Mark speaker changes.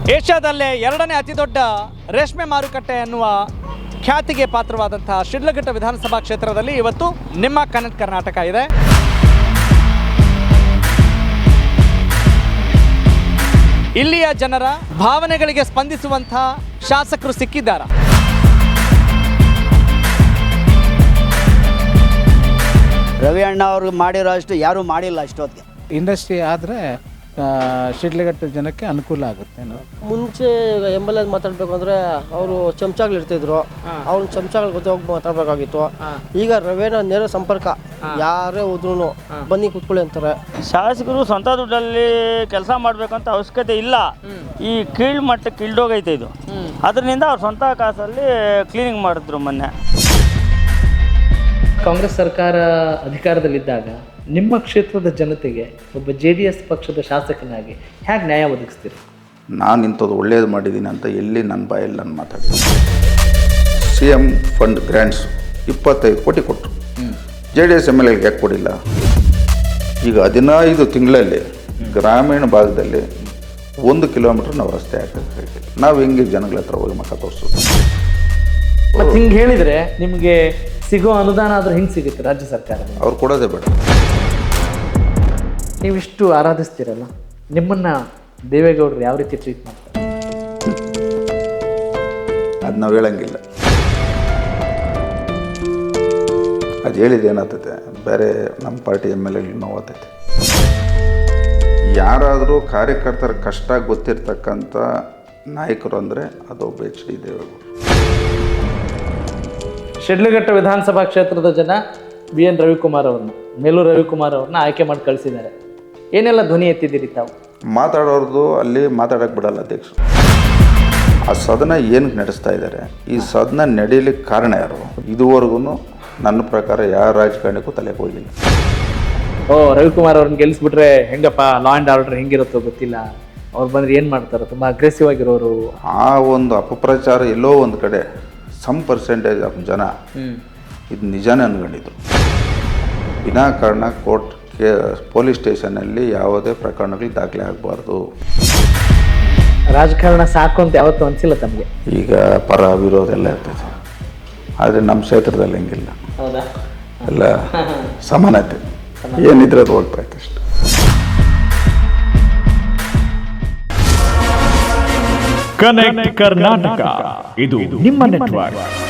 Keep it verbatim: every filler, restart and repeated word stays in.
Speaker 1: ಏಷ್ಯಾದಲ್ಲೇ ಎರಡನೇ ಅತಿ ದೊಡ್ಡ ರೇಷ್ಮೆ ಮಾರುಕಟ್ಟೆ ಎನ್ನುವ ಖ್ಯಾತಿಗೆ ಪಾತ್ರವಾದಂತಹ ಶಿಡ್ಲಘಟ್ಟ ವಿಧಾನಸಭಾ ಕ್ಷೇತ್ರದಲ್ಲಿ ಇವತ್ತು ನಿಮ್ಮ ಕನೆಕ್ಟ್ ಕರ್ನಾಟಕ ಇದೆ. ಇಲ್ಲಿಯ ಜನರ ಭಾವನೆಗಳಿಗೆ ಸ್ಪಂದಿಸುವಂತಹ ಶಾಸಕರು ಸಿಕ್ಕಿದ್ದಾರೆ.
Speaker 2: ರವಿ ಅಣ್ಣ ಅವ್ರಿಗೆ ಮಾಡಿರೋ ಅಷ್ಟು ಯಾರೂ ಮಾಡಿಲ್ಲ ಅಷ್ಟೊತ್ತಿಗೆ.
Speaker 3: ಇಂಡಸ್ಟ್ರಿ ಆದರೆ ಶಿಡ್ಲಘಟ್ಟ ಜನಕ್ಕೆ ಅನುಕೂಲ ಆಗುತ್ತೆ.
Speaker 4: ಮುಂಚೆ ಎಮ್ ಎಲ್ ಎ ಮಾತಾಡಬೇಕು ಅಂದರೆ ಅವರು ಚಮಚಾಗಳು ಇರ್ತಿದ್ರು, ಅವ್ರ ಚಮಚಾಗಳ ಜೊತೆ ಹೋಗಿ ಮಾತಾಡಬೇಕಾಗಿತ್ತು. ಈಗ ರವೇನ ನೇರ ಸಂಪರ್ಕ, ಯಾರೇ ಹೋದ್ರೂ ಬನ್ನಿ ಕೂತ್ಕೊಳ್ಳಿ ಅಂತಾರೆ.
Speaker 5: ಶಾಸಕರು ಸ್ವಂತ ದುಡ್ಡಲ್ಲಿ ಕೆಲಸ ಮಾಡಬೇಕಂತ ಅವಶ್ಯಕತೆ ಇಲ್ಲ. ಈ ಕೀಳ್ ಮಟ್ಟಕ್ಕೆ ಇಳ್ದೋಗೈತೆ ಇದು. ಅದರಿಂದ ಅವ್ರ ಸ್ವಂತ ಕಾಸಲ್ಲಿ ಕ್ಲೀನಿಂಗ್ ಮಾಡಿದ್ರು ಮೊನ್ನೆ.
Speaker 1: ಕಾಂಗ್ರೆಸ್ ಸರ್ಕಾರ ಅಧಿಕಾರದಲ್ಲಿದ್ದಾಗ ನಿಮ್ಮ ಕ್ಷೇತ್ರದ ಜನತೆಗೆ ಒಬ್ಬ ಜೆ ಡಿ ಎಸ್ ಪಕ್ಷದ ಶಾಸಕನಾಗಿ ಹೇಗೆ ನ್ಯಾಯ ಒದಗಿಸ್ತೀರಿ?
Speaker 6: ನಾನು ಇಂಥದ್ದು ಒಳ್ಳೇದು ಮಾಡಿದ್ದೀನಿ ಅಂತ ಎಲ್ಲಿ ನನ್ನ ಬಾಯಲ್ಲಿ ನಾನು ಮಾತಾಡಿದ್ದೀನಿ. ಸಿ ಎಮ್ ಫಂಡ್ ಗ್ರ್ಯಾಂಟ್ಸ್ ಇಪ್ಪತ್ತೈದು ಕೋಟಿ ಕೊಟ್ಟರು. J D S M L ಎಗೆ ಯಾಕೆ ಕೊಡಿಲ್ಲ? ಈಗ ಹದಿನೈದು ತಿಂಗಳಲ್ಲಿ ಗ್ರಾಮೀಣ ಭಾಗದಲ್ಲಿ ಒಂದು ಕಿಲೋಮೀಟ್ರ್ ನಾವು ರಸ್ತೆ ಹಾಕಬೇಕಾಗಿಲ್ಲ. ನಾವು ಹೆಂಗೆ ಜನಗಳ ಹತ್ರ ಹೋಗಿ ಮಕ್ಕ ತೋರಿಸೋದು?
Speaker 1: ಮತ್ತು ಹಿಂಗೆ ಹೇಳಿದರೆ ನಿಮಗೆ ಸಿಗೋ ಅನುದಾನ ಆದರೂ ಹಿಂಗೆ ಸಿಗುತ್ತೆ ರಾಜ್ಯ ಸರ್ಕಾರ?
Speaker 6: ಅವ್ರು ಕೊಡೋದೇ ಬೇಡ.
Speaker 1: ನೀವಿಷ್ಟು ಆರಾಧಿಸ್ತೀರಲ್ಲ, ನಿಮ್ಮನ್ನು ದೇವೇಗೌಡರು ಯಾವ ರೀತಿ ಟ್ರೀಟ್ ಮಾಡ್ತಾರೆ?
Speaker 6: ಅದು ನಾವು ಹೇಳಂಗಿಲ್ಲ. ಅದು ಹೇಳಿದ್ದು ಏನಾಗ್ತೈತೆ, ಬೇರೆ ನಮ್ಮ ಪಾರ್ಟಿ ಎಮ್ ಎಲ್ ಎಗಳು ನೋವಾಗ್ತೈತೆ. ಯಾರಾದರೂ ಕಾರ್ಯಕರ್ತರ ಕಷ್ಟ ಗೊತ್ತಿರ್ತಕ್ಕಂಥ ನಾಯಕರು ಅಂದರೆ ಅದು ಒಬ್ಬ ಎಚ್ ಡಿ ದೇವೇಗೌಡರು.
Speaker 1: ಶಿಡ್ಲಘಟ್ಟ ವಿಧಾನಸಭಾ ಕ್ಷೇತ್ರದ ಜನ ಬಿ ಎನ್ ರವಿಕುಮಾರ್ ಅವ್ರನ್ನ, ಮೇಲೂರು ರವಿಕುಮಾರ್ ಅವ್ರನ್ನ ಆಯ್ಕೆ ಮಾಡಿ ಕಳಿಸಿದ್ದಾರೆ. ಏನೆಲ್ಲ ಧ್ವನಿ ಎತ್ತಿದ್ದೀರಿ ತಾವು?
Speaker 6: ಮಾತಾಡೋರ್ದು ಅಲ್ಲಿ ಮಾತಾಡೋಕ್ಕೆ ಬಿಡಲ್ಲ ಅಧ್ಯಕ್ಷರು. ಆ ಸದನ ಏನಕ್ಕೆ ನಡೆಸ್ತಾ ಇದ್ದಾರೆ, ಈ ಸದನ ನಡೀಲಿಕ್ಕೆ ಕಾರಣ ಯಾರು? ಇದುವರೆಗೂ ನನ್ನ ಪ್ರಕಾರ ಯಾವ ರಾಜಕಾರಣಿಗೂ ತಲೆಗೆ ಹೋಗಿಲ್ಲ.
Speaker 1: ಓ, ರವಿಕುಮಾರ್ ಅವ್ರನ್ನ ಗೆಲ್ಲಿಸ್ಬಿಟ್ರೆ ಹೆಂಗಪ್ಪ ಲಾ ಆ್ಯಂಡ್ ಆರ್ಡರ್ ಹೆಂಗಿರುತ್ತೋ ಗೊತ್ತಿಲ್ಲ, ಅವ್ರು ಬಂದರೆ ಏನು ಮಾಡ್ತಾರೆ, ತುಂಬ ಅಗ್ರೆಸಿವ್ ಆಗಿರೋರು.
Speaker 6: ಆ ಒಂದು ಅಪಪ್ರಚಾರ ಎಲ್ಲೋ ಒಂದು ಕಡೆ ಸಮ್ ಪರ್ಸೆಂಟೇಜ್ ಆಫ್ ಜನ ಇದು ನಿಜಾನೇ ಅನ್ಕೊಂಡಿದ್ರು. ವಿನಾಕಾರಣ ಕೋರ್ಟ್ ಕೆ ಪೊಲೀಸ್ ಸ್ಟೇಷನಲ್ಲಿ ಯಾವುದೇ ಪ್ರಕರಣಗಳು ದಾಖಲೆ ಆಗಬಾರ್ದು.
Speaker 1: ರಾಜಕಾರಣ ಸಾಕು ಅಂತ ಯಾವತ್ತೂ ಅನಿಸಿಲ್ಲ ತಮಗೆ?
Speaker 6: ಈಗ ಪರ ವಿರೋಧ ಎಲ್ಲ ಇರ್ತೈತೆ, ಆದರೆ ನಮ್ಮ ಕ್ಷೇತ್ರದಲ್ಲಿ ಹೆಂಗಿಲ್ಲ.
Speaker 1: ಹೌದಾ?
Speaker 6: ಎಲ್ಲ ಸಮಾನತೆ ಏನಿದ್ರೆ ಅದು ಹೋಗ್ತಾ ಇತ್ತು ಅಷ್ಟೆ.
Speaker 7: ಕನೆಕ್ಟ್ ಕರ್ನಾಟಕ, ಇದು ನಿಮ್ಮ ನೆಟ್ವರ್ಕ್.